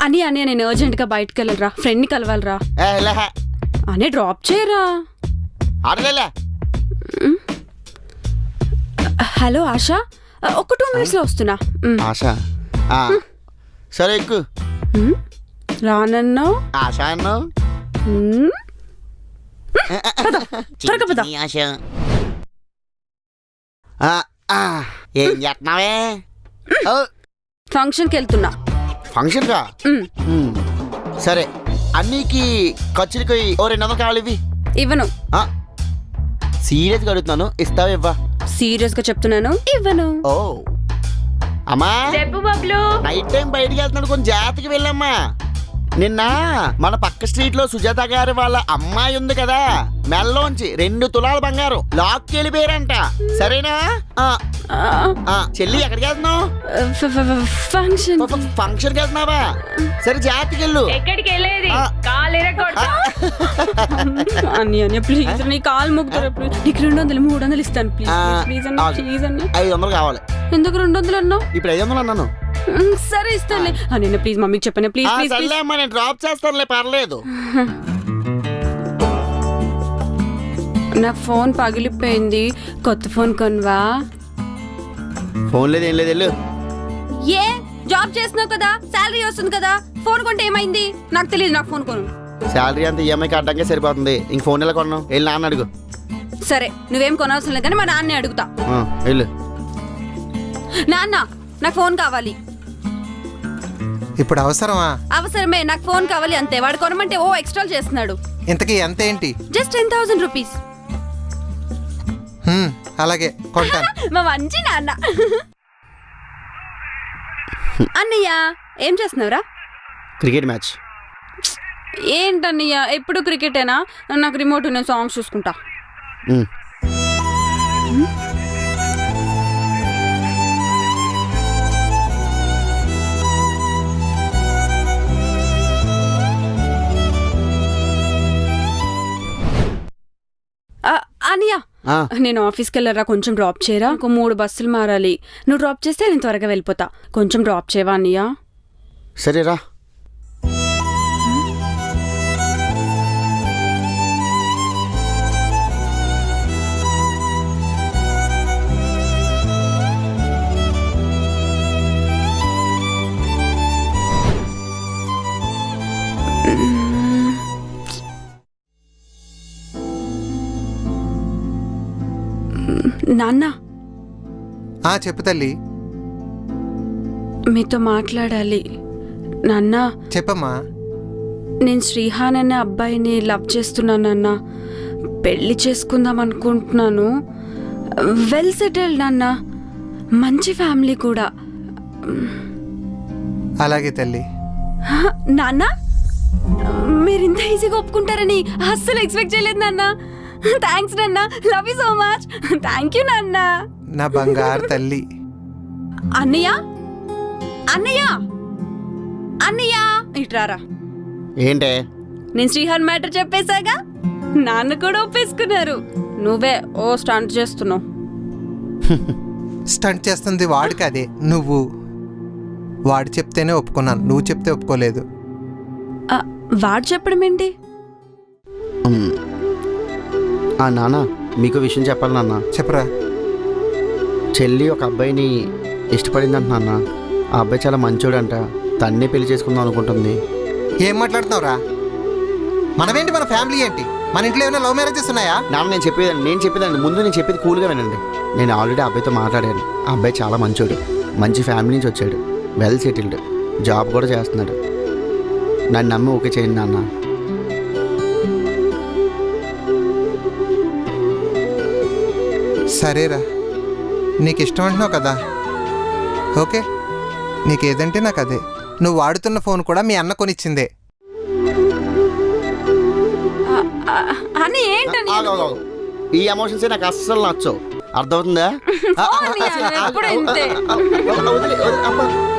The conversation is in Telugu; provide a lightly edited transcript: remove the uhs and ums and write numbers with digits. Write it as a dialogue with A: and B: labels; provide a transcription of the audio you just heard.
A: అని నేను అర్జెంట్గా బయటకు వెళ్ళరా, ఫ్రెండ్ని కలవాలరా. అని డ్రాప్ చేయరా. హలో ఆశా, ఒక 2 minutesలో వస్తున్నా.
B: ఆశా సరే ఎక్కు.
A: రానన్నావు,
B: ఆశా అన్నావు. ఏం చేస్తున్నావే?
A: ఫంక్షన్కి వెళ్తున్నా.
B: ఫంక్షన్ కా? సరే, అన్నికి ఖర్చులకి 200 కావాలి. ఇవి
A: ఇవ్వను.
B: సీరియస్గా అడుగుతున్నాను, ఇస్తావా? ఇవ్వా?
A: సీరియస్ గా చెప్తున్నాను, ఇవ్వను.
B: ఓ అమ్మా,
A: చెప్పు బబ్లు.
B: నైట్ టైం బయటికి వెళ్తున్నాడు, కొంచెం జాగ్రత్తగా వెళ్ళమ్మా. నిన్న మన పక్క స్ట్రీట్ లో సుజాత గారి వాళ్ళ అమ్మాయి ఉంది కదా, మెల్లోంచి 2 తులాల బంగారం లాక్కి వెళ్ళిపోయారంట. సరేనా? చెల్లి ఎక్కడికి వెళ్తున్నావు? ఫంక్షన్ కి వెళ్తున్నావా? సరే జాగ్రత్తగా వెళ్ళు.
A: ఎక్కడికి వెళ్ళేది? ప్లీజ్ నీ కాలు మొక్కుతారా? నీకు 200 300 ఇస్తాను. ప్లీజ్
B: 500 కావాలి.
A: ఎందుకు 200 అన్నావు?
B: ఇప్పుడు 500 అన్నాను.
A: సరే ఇస్తానులే. నేను ప్లీజ్ మమ్మీకి చెప్పాను. ప్లీజ్ ప్లీజ్
B: సర్లే అమ్మా, నేను డ్రాప్ చేస్తానులే, పర్లేదు.
A: నా ఫోన్ పగిలిపోయింది, కొత్త ఫోన్ కొనవా?
B: ఫోన్ లేదు, ఏం లేదు, వెళ్ళు.
A: ఏ జాబ్ చేస్తున్నావు కదా, శాలరీ వస్తుంది కదా, ఫోన్ కొంటే ఏమైంది? నాకు తెలియదు, నాకు ఫోన్ కొను.
B: శాలరీ అంతా ఈఎంఐకి అడ్డంగా సరిపోతుంది, ఇంక ఫోన్ ఎలా కొన్నావు? వెళ్ళి నాన్న అడుగు.
A: సరే, నువ్వేం కొనవసరం లేదు కానీ మా నాన్నే అడుగుతా.
B: వెళ్ళు.
A: నాన్న, నాకు ఫోన్ కావాలి.
C: ఇప్పుడు అవసరమా?
A: అవసరమే, నాకు ఫోన్ కావాలి అంతే. వాడు కొనమంటే ఓ ఎక్స్ట్రా చేస్తున్నాడు.
C: ఇంతకీ ఎంత ఏంటి?
A: Just 10,000 rupees.
C: అలాగే కొంటాను.
A: మా మంచి నాన్న. అన్నయ్య ఏం చేస్తున్నావురా?
B: Cricket match.
A: ఏంటన్నయ్య ఎప్పుడు క్రికెటేనా? నాకు రిమోట్, నేను సాంగ్స్ చూసుకుంటా. అనియా, నేను ఆఫీస్కి వెళ్ళరా, కొంచెం డ్రాప్ చేయరా. ఒక 3 బస్సులు మారాలి. నువ్వు డ్రాప్ చేస్తే నేను త్వరగా వెళ్ళిపోతా. కొంచెం డ్రాప్ చేయవా అనియా?
B: సరేరా.
A: నాన్న.
C: చెప్పు తల్లి.
A: మీతో మాట్లాడాలి నాన్న.
C: చెప్పమ్మా.
A: నేను శ్రీహాన్ అనే అబ్బాయిని లవ్ చేస్తున్నాను నాన్న. పెళ్లి చేసుకుందాం అనుకుంటున్నాను. వెల్ సెటిల్డ్ నాన్న, మంచి ఫ్యామిలీ కూడా.
C: అలాగే తల్లి.
A: నాన్న, మీరు ఇంత ఈజీగా ఒప్పుకుంటారని అస్సలు ఎక్స్పెక్ట్ చేయలేదు నాన్న. థ్యాంక్స్ నాన్న, love you so much. Thank you నాన్న,
C: నా బంగారు తల్లి.
A: అన్నయ్య, అన్నయ్య, అన్నయ్య ఇట్రారా.
B: ఏంటే?
A: నేను శ్రీహాన్ మ్యాటర్ చెప్పేశాగా, నాన్న కూడా ఒప్పేసుకున్నారు. నువ్వే ఓ స్టంట్ చేస్తున్నావు.
C: స్టంట్ చేస్తుంది వాడు కాదే, నువ్వు. వాడు చెప్తేనే ఒప్పుకున్నాను, నువ్వు చెప్తే ఒప్పుకోలేదు.
A: వాడు చెప్పడం ఏంటి?
B: నాన్న, మీకు విషయం చెప్పాలి నాన్న.
C: చెప్పరా.
B: చెల్లి ఒక అబ్బాయిని ఇష్టపడిందంట నాన్న. ఆ అబ్బాయి చాలా మంచోడంట, తన్నే పెళ్లి చేసుకుందాం అనుకుంటుంది.
C: ఏం మాట్లాడుతున్నావురా? మనమేంటి, మన ఫ్యామిలీ ఏంటి? మన ఇంట్లో ఏమైనా లవ్ మ్యారేజెస్ ఉన్నాయా?
B: నాన్న, నేను చెప్పేదండి ముందు నేను చెప్పేది కూల్గా వినండి. నేను ఆల్రెడీ ఆ అబ్బాయితో మాట్లాడాను. ఆ అబ్బాయి చాలా మంచోడు, మంచి ఫ్యామిలీ నుంచి వచ్చాడు, వెల్ సెటిల్డ్, జాబ్ కూడా చేస్తున్నాడు. నన్ను నమ్మి ఓకే చేయండి నాన్న.
C: సరేరా, నీకు ఇష్టం అంటున్నావు కదా, ఓకే. నీకేదంటే నాకు అదే. నువ్వు వాడుతున్న ఫోన్ కూడా మీ అన్న కొనిచ్చిందే.
B: ఈ ఎమోషన్స్ నాకు అస్సలు నచ్చవు, అర్థమవుతుందా?